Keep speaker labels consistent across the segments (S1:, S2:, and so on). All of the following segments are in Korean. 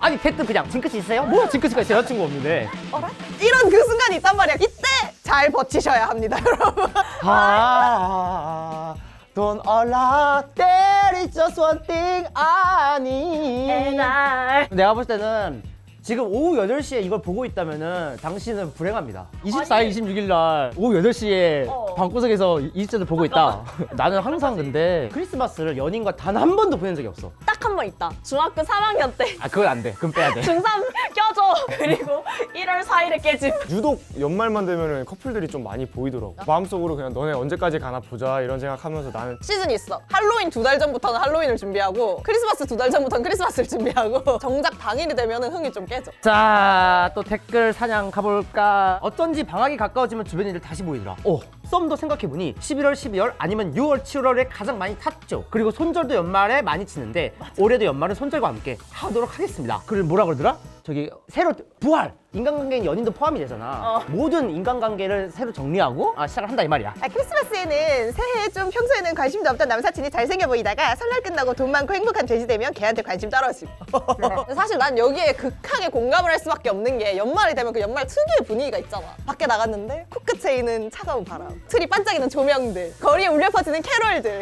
S1: 아니 댓글 그냥 징크스 있어요? 뭐야 징크스가 있어 여자친구 없는데.
S2: 어라? 이런 그 순간이 있단 말이야. 이때 잘 버티셔야 합니다, 여러분.
S1: Don't allow there is just one thing 아니. 내가 볼 때는 지금 오후 8시에 이걸 보고 있다면은 당신은 불행합니다. 24일, 26일 날 오후 8시에 방구석에서 20대를 보고 있다. 나는 항상 근데 크리스마스를 연인과 단 한 번도 보낸 적이 없어.
S3: 딱 한 번 있다. 중학교 3학년 때
S1: 아 그건 안 돼. 그건 빼야 돼.
S3: 중3 껴줘. 그리고 1월 4일에 깨짐.
S4: 유독 연말만 되면은 커플들이 좀 많이 보이더라고. 마음속으로 그냥 너네 언제까지 가나 보자 이런 생각하면서 나는
S2: 시즌이 있어. 할로윈 2달 전부터는 할로윈을 준비하고 크리스마스 2달 전부터는 크리스마스를 준비하고 정작 당일이 되면은 흥이 좀 깨져.
S1: 자, 또 댓글 사냥 가볼까? 어쩐지 방학이 가까워지면 주변 일들 다시 보이더라. 썸도 생각해보니 11월, 12월 아니면 6월, 7월에 가장 많이 탔죠. 그리고 손절도 연말에 많이 치는데 올해도 연말은 손절과 함께 하도록 하겠습니다. 그리고 뭐라 그러더라? 저기 새로 부활! 인간관계인 연인도 포함이 되잖아. 모든 인간관계를 새로 정리하고 시작을 한다 이 말이야.
S2: 크리스마스에는 새해에 좀 평소에는 관심도 없던 남사친이 잘생겨 보이다가 설날 끝나고 돈 많고 행복한 돼지 되면 걔한테 관심 떨어지고. 사실 난 여기에 극하게 공감을 할 수밖에 없는 게 연말이 되면 그 연말 특유의 분위기가 있잖아. 밖에 나갔는데 코끝에 있는 차가운 바람, 트리 반짝이는 조명들, 거리에 울려 퍼지는 캐롤들.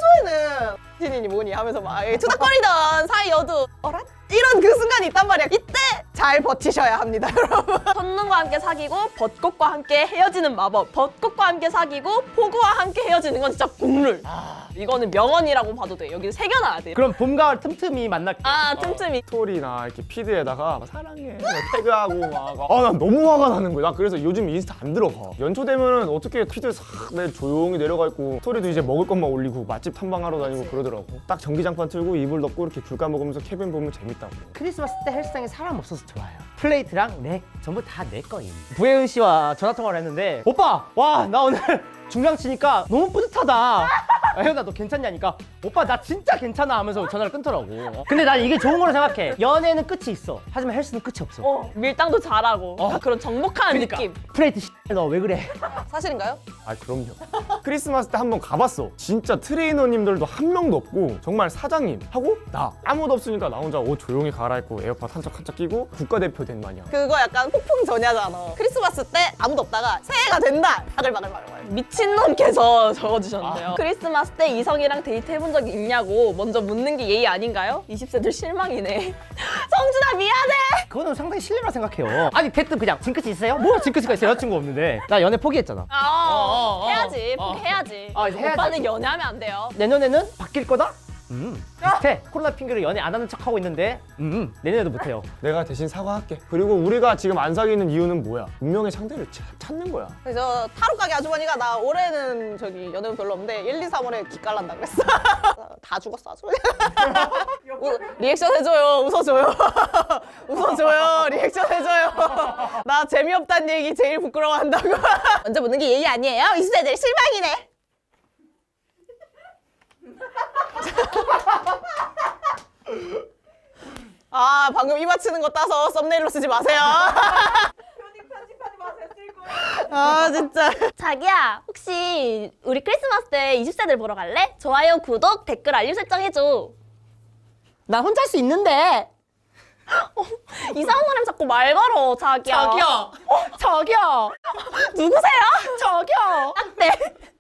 S2: 평소에는 신인이 뭐니 하면서 막 투닥거리던 사이여도 어라? 이런 그 순간이 있단 말이야. 이때 잘 버티셔야 합니다, 여러분.
S3: 첫눈과 함께 사귀고 벚꽃과 함께 헤어지는 마법. 벚꽃과 함께 사귀고 폭우와 함께 헤어지는 건 진짜 국룰. 이거는 명언이라고 봐도 돼. 여기 새겨놔야 돼.
S1: 그럼 봄, 가을 틈틈이 만날게.
S3: 틈틈이.
S4: 스토리나 이렇게 피드에다가 막 사랑해 막 태그하고 막 난 너무 화가 나는 거야. 나 그래서 요즘 인스타 안 들어가. 연초 되면은 어떻게 피드에 싹 조용히 내려가 있고 스토리도 이제 먹을 것만 올리고 맛집 탐방하러 다니고 그러더라고. 딱 전기장판 틀고 이불 덮고 이렇게 귤 까먹으면서 케빈 보면 재밌다고.
S1: 크리스마스 때 헬스장에 사람 없어서 좋아요. 플레이트랑 렉 전부 다 내 거임. 부혜은 씨와 전화 통화를 했는데 오빠 와 나 오늘 중량 치니까 너무 뿌듯하다. 혜은아 너 괜찮냐니까 오빠 나 진짜 괜찮아 하면서 전화를 끊더라고. 근데 난 이게 좋은 거라 생각해. 연애는 끝이 있어. 하지만 헬스는 끝이 없어.
S3: 밀당도 잘하고 그런 정복하는 느낌.
S1: 플레이트 너 왜 그래?
S2: 사실인가요?
S4: 그럼요. 크리스마스 때 한번 가봤어. 진짜 트레이너님들도 한 명도 없고 정말 사장님 하고 나 아무도 없으니까 나 혼자 옷 조용히 갈아입고 에어팟 한짝 끼고 국가대표 된 마냥.
S2: 그거 약간 폭풍 전야잖아. 크리스마스 때 아무도 없다가 새해가 된다. 바글바글바글.
S3: 미친놈께서 적어주셨는데요. 크리스마스 때 이성이랑 데이트 해본 적이 있냐고 먼저 묻는 게 예의 아닌가요? 20세들 실망이네. 성준아 미안해.
S1: 그거는 상당히 실례라 생각해요. 아니 댓글 그냥 징크스 있어요? 뭐야 징크스가 있어 여자친구 없는데. 나 연애 포기했잖아.
S3: 해야지. 포기해야지.
S1: 이제 해야지.
S3: 오빠는 연애하면 안 돼요.
S1: 내년에는 바뀔 거다? 비슷해. 코로나 핑계로 연애 안 하는 척하고 있는데 내년에도 못해요.
S4: 내가 대신 사과할게. 그리고 우리가 지금 안 사귀는 이유는 뭐야? 운명의 상대를 찾는 거야.
S2: 그래서 타로 가게 아주머니가 나 올해는 저기 연애운 별로 없는데 1, 2, 3월에 기깔난다 그랬어. 다 죽었어 아주. 리액션 해줘요. 웃어줘요. 웃어줘요. 리액션 해줘요. 나 재미없다는 얘기 제일 부끄러워한다고. 먼저 묻는 게 예의 아니에요? 20세들 실망이네. 방금 이마 치는 거 따서 썸네일로 쓰지 마세요. 편집하지 마세요. 쓸 거예요. 진짜.
S3: 자기야, 혹시 우리 크리스마스 때 20세들 보러 갈래? 좋아요, 구독, 댓글, 알림 설정 해줘.
S1: 나 혼자 할 수 있는데.
S3: 이상한 사람 자꾸 말 걸어, 자기야.
S1: 저기요.
S3: 누구세요?
S1: 저기요.
S3: 네.